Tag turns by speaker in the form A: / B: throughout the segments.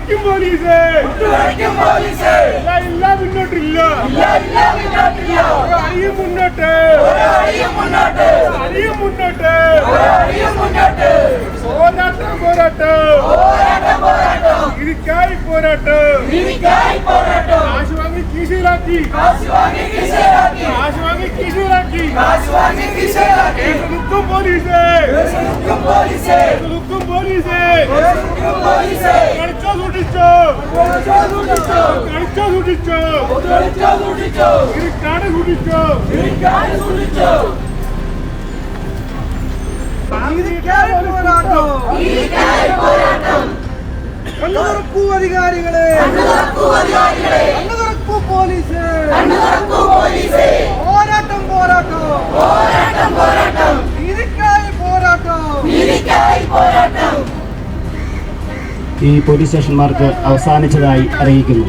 A: ഈ പോലീസ് സ്റ്റേഷന്മാർക്ക് അവസാനിച്ചതായി അറിയിക്കുന്നു.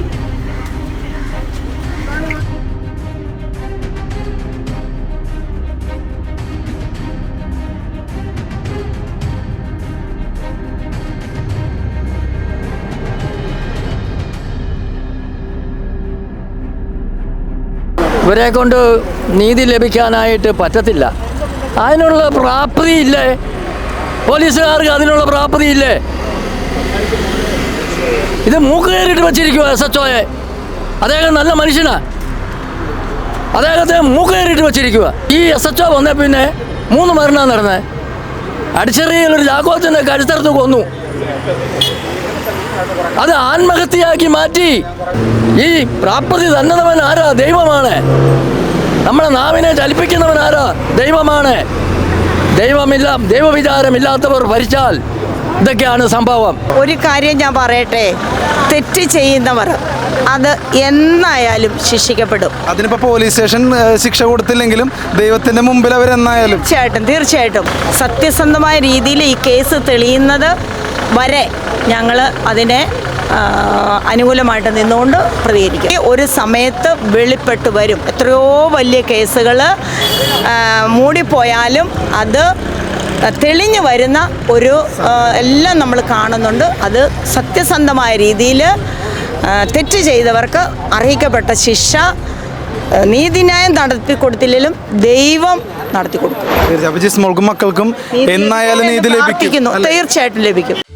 B: ഇവരെ കൊണ്ട് നീതി ലഭിക്കാനായിട്ട് പറ്റത്തില്ല. അതിനുള്ള പ്രാപ്തിയില്ലേ പോലീസുകാർക്ക്? അതിനുള്ള പ്രാപ്തിയില്ലേ? ഇത് മൂക്ക് കയറിയിട്ട് വെച്ചിരിക്കുക SHOയെ. അദ്ദേഹം നല്ല മനുഷ്യനാണ്, അദ്ദേഹത്തെ മൂക്ക് കയറിയിട്ട് വെച്ചിരിക്കുക. ഈ SHO വന്നേ പിന്നെ 3 മരണം നടന്നത്. അടിച്ചെറിയൊരു ജാക്കോത്തിൻ്റെ കഴുത്തറുത്ത് കൊന്നു. അത് ആത്മഹത്യയാക്കി മാറ്റി. ഈ പ്രാപ്തി തന്നവൻ ആരാ? ദൈവമാണ്. നമ്മളെ നാവിനെ ചലിപ്പിക്കുന്നവൻ ആരാ? ദൈവമാണ്. ദൈവവിചാരമില്ലാത്തവർ ഭരിച്ചാൽ ഇതൊക്കെയാണ് സംഭവം.
C: ഒരു കാര്യം ഞാൻ പറയട്ടെ, തെറ്റ് ചെയ്യുന്നവർ അത് എന്നായാലും ശിക്ഷിക്കപ്പെടും.
D: അതിനിപ്പോൾ പോലീസ് സ്റ്റേഷൻ ശിക്ഷ കൊടുത്തില്ലെങ്കിലും ദൈവത്തിൻ്റെ മുമ്പിൽ അവരെന്നായാലും
C: തീർച്ചയായിട്ടും സത്യസന്ധമായ രീതിയിൽ ഈ കേസ് തെളിയുന്നത് വരെ ഞങ്ങൾ അതിനെ അനുകൂലമായിട്ട് നിന്നുകൊണ്ട് പ്രതികരിക്കും. ഒരു സമയത്ത് വെളിപ്പെട്ട് വരും. എത്രയോ വലിയ കേസുകൾ മൂടിപ്പോയാലും അത് തെളിഞ്ഞു വരുന്ന ഒരു എല്ലാം നമ്മൾ കാണുന്നുണ്ട്. അത് സത്യസന്ധമായ രീതിയിൽ തെറ്റ് ചെയ്തവർക്ക് അർഹിക്കപ്പെട്ട ശിക്ഷ നീതിന്യായം നടത്തിക്കൊടുത്തില്ലെങ്കിലും ദൈവം നടത്തിക്കൊടുക്കും.
D: മക്കൾക്കും എന്നായാലും നീതി ലഭിക്കും.
C: തീർച്ചയായിട്ടും ലഭിക്കും.